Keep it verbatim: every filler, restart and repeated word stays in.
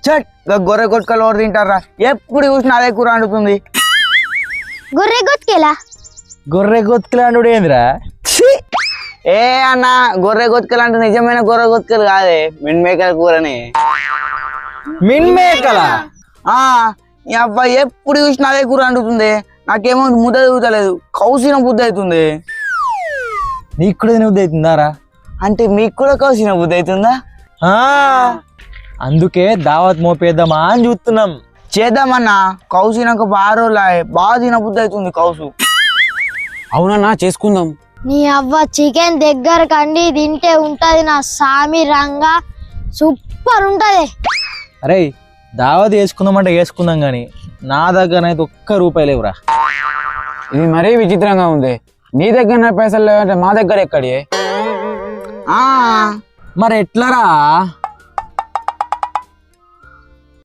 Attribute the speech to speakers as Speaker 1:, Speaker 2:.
Speaker 1: చట్ గొర్రె కొట్టుకలు ఎవరు తింటారా? ఎప్పుడు చూసినా అదే కూర వండుతుంది.
Speaker 2: గొర్రె గొత్తుకెలా?
Speaker 3: గొర్రె గొత్తులాండు ఏందిరా?
Speaker 1: ఏ అన్న, గొర్రె గొత్తుకలు అంటే నిజమైన గొర్రె గొత్తుకలు కాదే, మిన్మేకల కూరని.
Speaker 3: మిన్మేకల?
Speaker 1: ఆ ఈ అబ్బాయి ఎప్పుడు చూసినా అదే కూర వండుతుంది. నాకేమో ముద్ద తిరుగుతలేదు, కౌసిన బుద్ధి అవుతుంది.
Speaker 3: నీకు కూడా తినబుద్ధి అవుతుందారా?
Speaker 1: అంటే మీకు కూడా కౌసిన బుద్ధి అవుతుందా?
Speaker 3: అందుకే దావత్ మోపేద్దామా అని చూస్తున్నాం.
Speaker 1: చేద్దామన్నా, కౌసినాక బాగా రోజులు బాగా తిన బుద్ధి అవుతుంది కౌసు.
Speaker 4: అవునన్నా చేసుకుందాం.
Speaker 2: నీ అవ్వ చికెన్ దగ్గర కండి తింటే ఉంటది నా సామి రంగా, సూపర్ ఉంటది.
Speaker 3: అరే దావత్ వేసుకుందామంటే వేసుకుందాం కానీ నా దగ్గర అయితే ఒక్క రూపాయి లేవురా.
Speaker 4: ఇది మరీ విచిత్రంగా ఉంది. నీ దగ్గర పైసలు లేవంటే మా దగ్గర ఎక్కడి?
Speaker 1: ఆ
Speaker 3: మరి ఎట్లరా?